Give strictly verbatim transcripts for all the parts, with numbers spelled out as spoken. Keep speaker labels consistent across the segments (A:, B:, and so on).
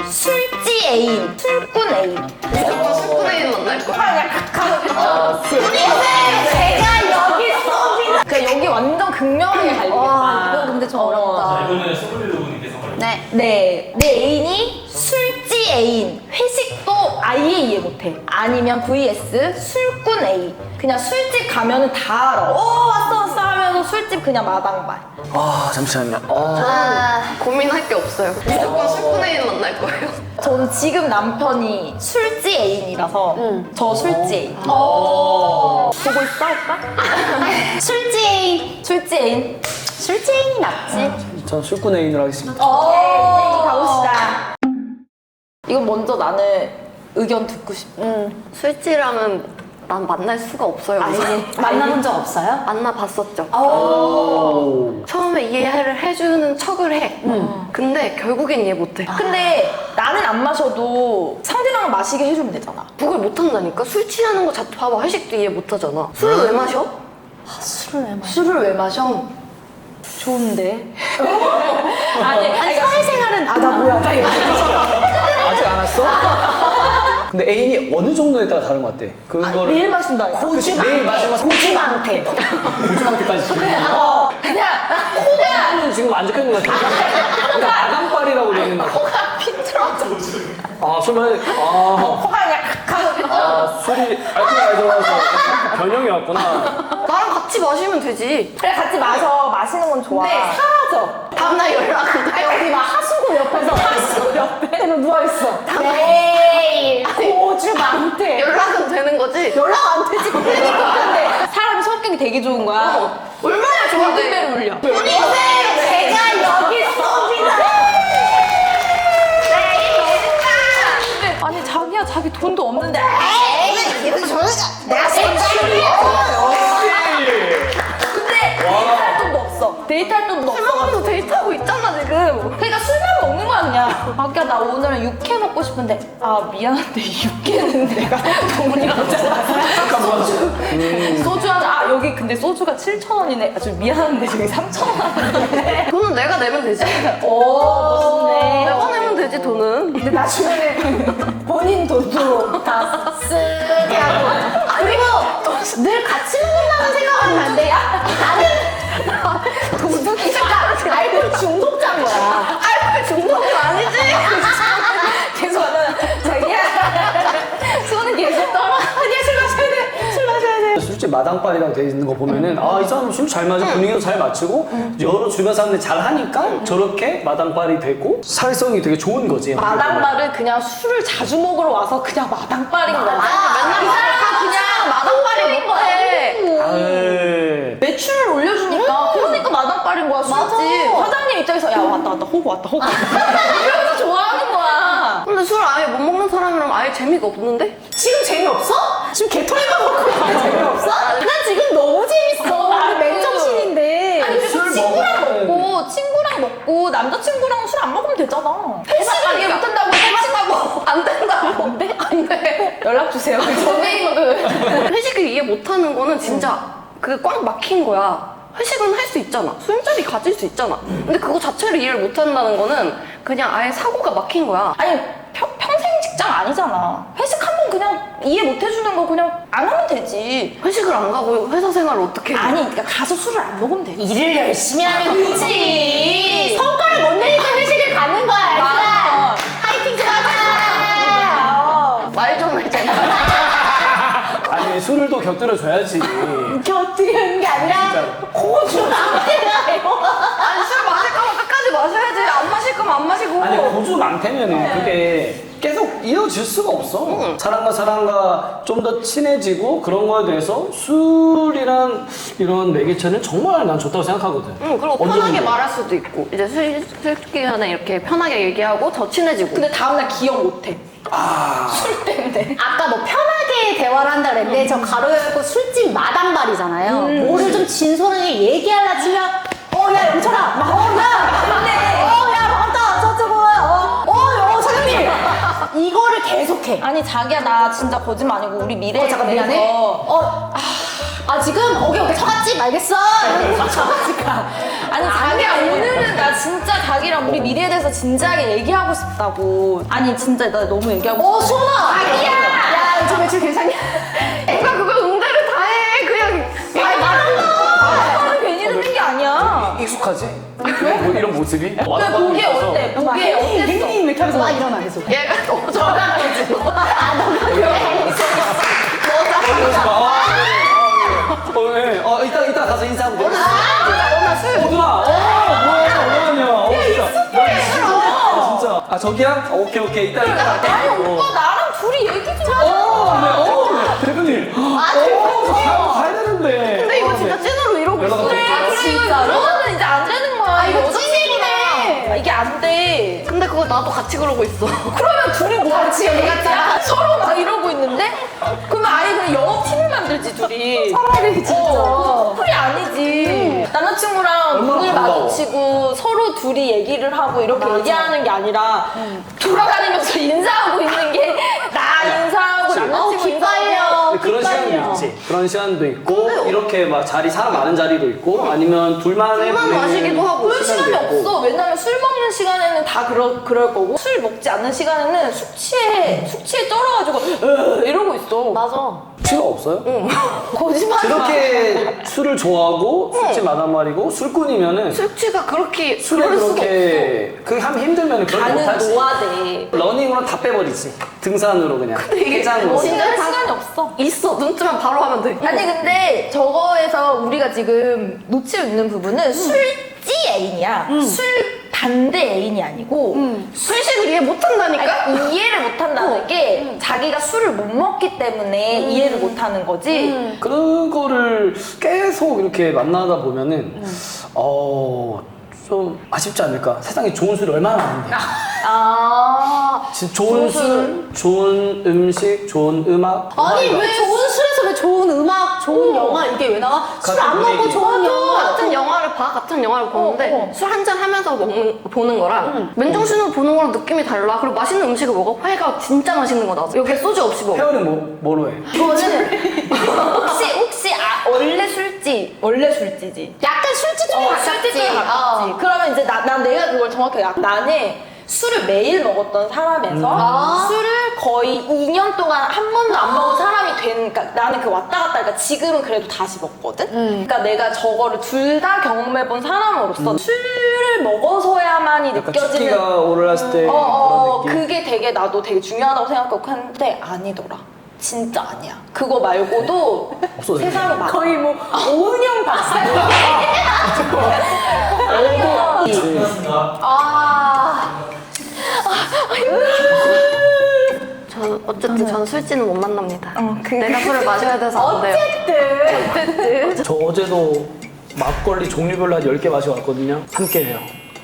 A: 술지 애인, 술꾼 애인.
B: 무조건 술꾼 애인 만날 거야.
A: 제가 여기 있습니다. 그러니까 여기 완전 극명하게 갈리겠다.
C: 와, 이거 근데 좀 어렵다.
D: 자, 이번에는 스물일곱 분께서 말해주세요.
A: 네. 네. 내 애인이 술지 애인. 회식도 아예 이해 못해. 아니면 브이에스 술꾼 애인. 그냥 술집 가면은 다 알아. 어, 왔어, 왔어 하면서 술집 그냥 마당발.
E: 아 잠시만요. 아,
C: 아,
B: 고민할 게 없어요. 무조건 술꾼 애인 만날 거예요.
A: 전 지금 남편이 술지 애인이라서 저 술지 애인.
C: 어.
A: 보고 있어, 오빠?
C: 술지 애인.
A: 술지 애인.
C: 술지 애인이 낫지.
E: 전 술꾼 애인으로 하겠습니다.
A: 오케이, 가봅시다. 이건 먼저 나는 의견 듣고 싶어.
C: 응.
B: 술지랑은 난 만날 수가 없어요.
A: 아예.
C: 만나본 적 없어요?
B: 만나봤었죠.
E: 오.
B: 처음에 이해를 해주는 척을 해. 근데 결국엔 이해 못해.
A: 근데 나는 안 마셔도 상대방을 마시게 해주면 되잖아.
B: 그걸 못한다니까? 술 취하는 거 자체 봐봐. 회식도 이해 못하잖아. 술을 왜 마셔?
C: 술을 왜 마셔?
A: 술을 왜 마셔? 좋은데. 아니,
C: 아니, 사회생활은.
A: 아, 나 뭐야.
E: 아직 안 왔어? 근데 애인이 어느 정도에 따라 다른 것 같아. 그거를
A: 매일 마신다.
E: 그치, 매일 마시면
A: 고지망태.
E: 고주망태까지 지금.
A: 어, 그냥 코가
E: 코는 지금 안 적혀있는 것 같아. 그러니까 아간빨이라고 되어 있는 것 같아.
A: 코가 비틀어져.
E: 아, 술 마시, 아,
A: 코가 그냥 칵칵.
E: 아, 술이 알코올 들어가서 변형이 왔구나.
B: 나랑 같이 마시면 되지.
A: 그래 같이 마셔. 마시는 건 좋아. 근데 사라져.
B: 다음날 연락은 돼.
A: 여기 막 하수구 옆에서 하수구 옆에 누워 있어. 매일 고주망태.
B: 연락은 되는 거지?
A: 연락 안 되지. 그러니까. 근데 사람이 성격이 되게 좋은 거야.
B: 얼마나 좋은데?
A: 골든벨 울려.
C: 보세요. 제가 여기 있습니다.
A: 아니 자기야 자기 돈도 없는데.
C: 에이, 이거 저는 내가 생각이야.
A: 근데 데이트할 돈도 없어. 데이트할 돈도
B: 술
A: 없어.
B: 먹으면서 데이트하고 있잖아 지금.
A: 그러니까 술만 먹는 거야 그냥. 자기야 나 오늘은 육회 먹고 싶은데 아 미안한데 육회는 내가 돈이 없잖아. 소주 하나. 아 여기 근데 소주가 칠천 원이네. 아, 좀 미안한데 저기 삼천 원인데.
B: 돈은 내가 내면 되지.
A: 오 멋있네.
B: 내가 내면 되지 돈은.
A: 근데 나중에는 본인 돈도 다 쓰게 하고.
C: 그리고 늘 같이 먹는다는 생각하면 안 돼요? 나는
A: 도둑이가
C: 알코올 중독자인 거야.
B: 알코올 중독은 아니지.
A: 계속 하면 자기야 손은 계속 떨어. 아니야 술 마셔야 돼. 술 마셔야 돼.
E: 술집 마당빨이라고 되어 있는 거 보면은 아, 이 사람 술 잘 마셔, 분위기도 잘 맞추고 여러 주변 사람들이 잘 하니까 저렇게 마당빨이 되고 사회성이 되게 좋은 거지.
A: 마당발은 그냥 술을 자주 먹으러 와서 그냥 마당발인 거야.
B: 맨날 다 그냥 마당발이 못해.
E: 아유.
A: 매출을 올려주니까 그러니까 마당발인 거야. 술집. 사장님 입장에서 야 왔다 왔다 호구 왔다 호구 왔다. 이러면서 좋아하는 거야.
B: 근데 술 아예 못 먹는 사람이랑 아예 재미가 없는데?
A: 지금 재미없어? 지금 개털이만 먹고 재미없어? 난 지금 너무 재밌어.
C: 아, 맨정신인데.
A: 아니 그래서
E: 술
A: 친구랑
E: 먹으면-
A: 먹고 친구랑 먹고 남자친구랑 술 안 먹으면 되잖아. 회식을 이해 못한다고 회식하고
B: 안 된다고. 안 돼? 안 돼.
A: 연락 주세요. 선배님은
B: 회식을 이해 못하는 거는 진짜 그 꽉 막힌 거야. 회식은 할 수 있잖아. 술자리 가질 수 있잖아. 근데 그거 자체를 이해를 못한다는 거는 그냥 아예 사고가 막힌 거야.
A: 아니 평, 평생 직장 아니잖아. 회식 한 번 그냥 이해 못 해주는 거 그냥 안 하면 되지.
B: 회식을 안 가고 회사 생활을 어떻게 해?
A: 아니 그러니까 가서 술을 안 먹으면 되지.
C: 일을 열심히 하면 되지.
A: 성-
C: 성과를 못 내니까 회식을 가는 거야, 알았어?
A: 맞아.
C: 파이팅 좀 하자.
B: 말 좀 해줘.
E: 아니, 술을 또 곁들여 줘야지.
C: 곁들이는 게 아니라 고주 상태가요.
B: 아니 술 마실 거면 끝까지 마셔야지. 안 마실 거면 안 마시고.
E: 아니, 고주 많다면은 그게 계속 이어질 수가 없어. 사람과 사람과 좀 더 친해지고 그런 거에 대해서 술이란 이런 매개체는 정말 난 좋다고 생각하거든.
B: 응, 그리고
E: 어느
B: 편하게
E: 정도.
B: 말할 수도 있고 이제 술, 술 기간에 이렇게 편하게 얘기하고 더 친해지고.
A: 근데 다음날 기억 못 해.
E: 아,
A: 술 때문에.
C: 아까 뭐 편하게 대화를 한다 그랬는데 저 가로 열고 술집 마당발이잖아요. 뭐를 좀 진솔하게 얘기하려 치면 어 야 영철아 어야어야 맞다 저쪽은 어어 사장님 이거를 계속해.
A: 아니 자기야 나 진짜 거짓말 아니고 우리 미래에
C: 어, 잠깐 미안해.
A: 대해서
C: 어 아 지금 오케이 오케이 처갓집 알겠어. 이러면서 처갓집 가.
A: 아니 자기야 오늘은 나 진짜 자기랑 우리 미래에 대해서 진지하게 얘기하고 싶다고. 아니 진짜 나 너무 얘기하고
C: 어
A: 싶어.
C: 수원아. 자기야. 야 요즘 매출 괜찮냐?
B: 누가 그걸 응대를 다 해. 그냥
C: 아니 말한다.
A: 나는 괜히 듣는 게 아니야.
E: 익숙하지? 이런, 뭐, 이런 모습이?
A: 근데 보기에 어때? 보기에 어땠어?
C: 혜민이 이렇게 하면서 막 일어나 계속.
B: 얘가 너무 저장하지.
E: 어, 네. 어, 이따, 이따 가서 인사하면 돼. 어, 누나! 어, 뭐야, 뭐하냐. 어, 진짜. 야, 진짜. 진짜. 아, 저기야? 어, 오케이, 오케이. 이따, 이따 갈게.
A: 아니
E: 어.
A: 오빠 나랑 둘이 얘기 좀 하자.
E: 어, 네, 어, 네. 대표님. 아, 어, 가야, 가야 되는데.
B: 근데 이거 진짜 찐으로 이러고 있어.
E: 연락을
A: 그래 그래 이거 이러면은 이제 안 되는 거야.
C: 이거
A: 여자친구랑.
C: 찐이네.
A: 이게 안 돼.
B: 근데 그거 나도 같이 그러고 있어.
A: 그러면 둘이 뭐 같이 여기 같이 서로 막 이러고 있는데? 그러면 아예 그냥 영업팀을 만들지 둘이.
C: 차라리 진짜.
A: 어, 커플이 아니지. 남자친구랑
E: 얼마나
A: 눈을
E: 반가워.
A: 마주치고 서로 둘이 얘기를 하고 이렇게 얘기하는 게 아니라 돌아다니면서 인사하고 있는 게 나 인사하고
C: 어,
A: 남자친구 인사하고.
C: 기빨려.
E: 그런 시간도 있지. 그런 시간도 있고, 이렇게 막 자리, 사람 많은 자리도 있고, 아니면 둘만의
B: 술만
E: 보내는
B: 마시기도 하고.
A: 그럴 시간이
E: 시간도 있고.
A: 없어. 왜냐면 술 먹는 시간에는 다 그러, 그럴 거고 술 먹지 않는 시간에는 숙취에 숙취에 쩔어가지고 으, 이러고 있어.
C: 맞아.
E: 필요 없어요?
A: 거짓말.
E: 그렇게 술을 좋아하고 술집 마단 말이고 술꾼이면은
B: 술취가 그렇게
E: 술에
B: 그럴 수가
E: 그렇게 그게 하면 힘들면 그걸
A: 나는
E: 못하지.
A: 노화돼.
E: 러닝으로 다 빼버리지. 등산으로 그냥.
B: 이게
E: 해장으로.
A: 진짜 할 시간이 없어.
B: 있어. 눈 뜨면 바로 하면 돼.
A: 아니 근데 저거에서 우리가 지금 놓치고 있는 부분은 술지 애인이야. 술 반대 애인이 아니고
B: 술식을 이해 못한다니까?
A: 아니, 이해를 못한다는 게 자기가 술을 못 먹기 때문에 이해를 못하는 거지.
E: 그런 거를 계속 이렇게 만나다 보면은 어. 좀 아쉽지 않을까? 세상에 좋은 술이 얼마나 많은데.
A: 아.
E: 진짜 좋은 술, 좋은 음식, 좋은 음악.
C: 아니
E: 음악이
C: 왜 좋은 술에서 왜 좋은 음악, 좋은 영화 이게 왜 나와? 술 안
E: 같은
C: 먹고
E: 분위기.
C: 좋은 영화.
B: 같은 영화를 봐, 같은 영화를 보는데
A: 어, 어.
B: 술 한 잔 하면서 먹는 보는 거랑 맨정신으로 보는 거랑 느낌이 달라. 그리고 맛있는 음식을 먹어. 회가 진짜 맛있는 거다. 여기에 소주 없이 먹어.
E: 회원은 뭐, 뭐로 해?
A: 이거는 혹시 혹시 아, 원래 술지 원래 술지지.
C: 약간 술집 쪽에
A: 어,
C: 가깝지.
A: 술집 쪽에 가깝지.
C: 어.
A: 그러면 이제 나, 난 내가 그걸 정확하게 알- 나는 술을 매일 먹었던 사람에서
C: 아.
A: 술을 거의 이 년 동안 한 번도 안 먹은 사람이 된, 그러니까 나는 그 왔다 갔다, 그러니까 지금은 그래도 다시 먹거든? 그러니까 내가 저거를 둘 다 경험해본 사람으로서 술을 먹어서야만이
E: 약간
A: 느껴지는
E: 춥기가 올랐을 때
A: 어, 어,
E: 그런 느낌.
A: 그게 되게 나도 되게 중요하다고 생각하고 했는데 아니더라. 진짜 아니야. 그거 말고도
E: 없어졌네.
A: 세상에 많아.
C: 거의 뭐 오은영 박사.
D: 고맙습니다.
A: 아,
B: 저 어쨌든 전 술지는 못 만납니다.
A: 어, 그-
B: 내가 술을 마셔야 돼서 안 돼요.
C: 어쨌든.
E: 저 어제도 막걸리 종류별로 한 열 개 마셔왔거든요. 함께 해요.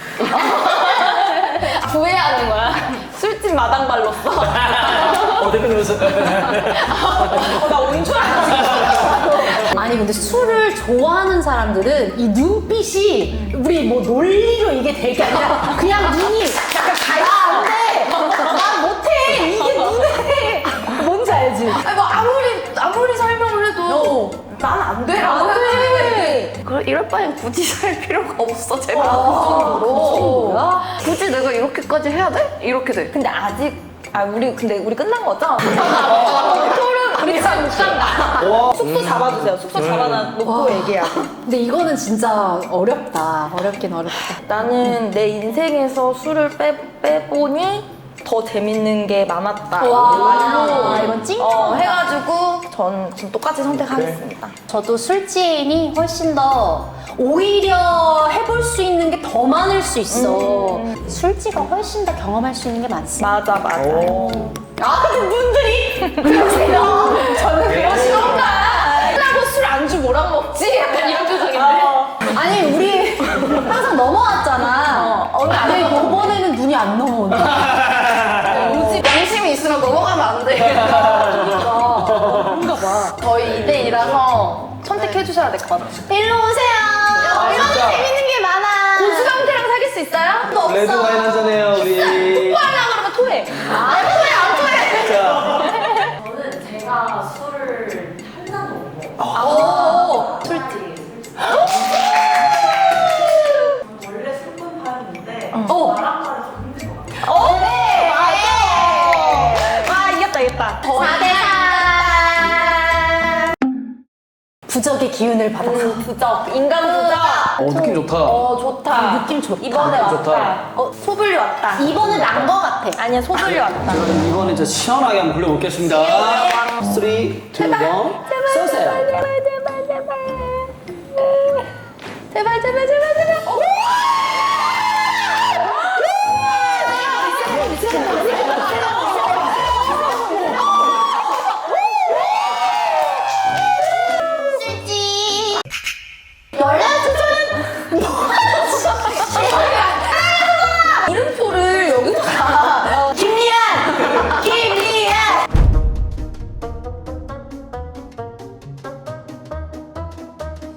A: 후회하는 거야. 술집 마당발로써.
E: 어, 대표님에서.
A: 어, 나 온 줄 알았어.
C: 아니 근데 술을 좋아하는 사람들은 이 눈빛이 우리 뭐 논리로 이게 될 게 아니라 그냥 눈이 약간 가야 안돼. 난 못해. 이게 눈에. 뭔지 알지?
A: 아니, 뭐 아무리, 아무리 설명을 해도 난 안 돼. 라고 생각해.
B: 그래, 이럴 바엔 굳이 살 필요가 없어, 제발.
A: 아,
C: 그 정도야?
B: 굳이 내가 이렇게까지 해야 돼? 이렇게 돼.
A: 근데 아직, 아, 우리, 근데 우리 끝난 거죠? 토론, 우리 지금 못 간다.
E: 와.
A: 숙소 잡아주세요. 숙소 잡아놓고 얘기하고.
C: 근데 이거는 진짜 어렵다. 어렵긴 어렵다.
A: 나는 내 인생에서 술을 빼, 빼보니 더 재밌는 게 많았다.
C: 와,
A: 말로
C: 이건 찡
A: 어, 해가지고 전, 전 똑같이 선택하겠습니다.
C: 저도 술지인이 훨씬 더 오히려 해볼 수 있는 게 더 많을 수 있어. 술지가 훨씬 더 경험할 수 있는 게 많습니다.
A: 맞아, 맞아.
E: 오.
C: 아, 근데 분들이 그러세요. 저는
A: 그러시던가. 끝나고 술 안주 뭐랑 먹지? 약간 이런 표정인데.
C: 아니, 우리 항상 넘어왔잖아.
A: 어,
C: 근데 이번에는 눈이 안 넘어오네.
A: 요즘
B: 양심이 있으면 넘어가면 안 돼.
C: 그런가 봐.
A: 저희 이 대 이라서 선택해주셔야 될 것 같아요.
C: 일로 오세요. 얼마나
E: 진짜.
C: 재밌는 게 많아.
A: 고수경태랑 사귈 수 있어요? 또 없어.
E: 레드 와인 한잔해요, 우리.
A: 토하려고 그러면 토해.
C: 아, 토해, 안 토해.
E: 자.
F: 저는 제가 술을 한 잔도 못 먹어요.
A: 아, 이겼다.
C: 사 대 삼. 부적의 기운을 받아.
A: 부적. 인간 부적.
E: 어 느낌 좋다.
A: 어, 좋다.
C: 느낌 좋다.
A: 이번에
E: 느낌
A: 왔다.
E: 좋다.
A: 어, 소불리 왔다.
C: 이번은 난 거 같아.
A: 아니야, 소불리 왔다.
E: 제가 이번에 진짜 시원하게 한번 굴려보겠습니다. 삼, 이, 일, 쏘세요.
A: 제발, 제발, 제발, 제발. 제발, 제발, 제발, 제발.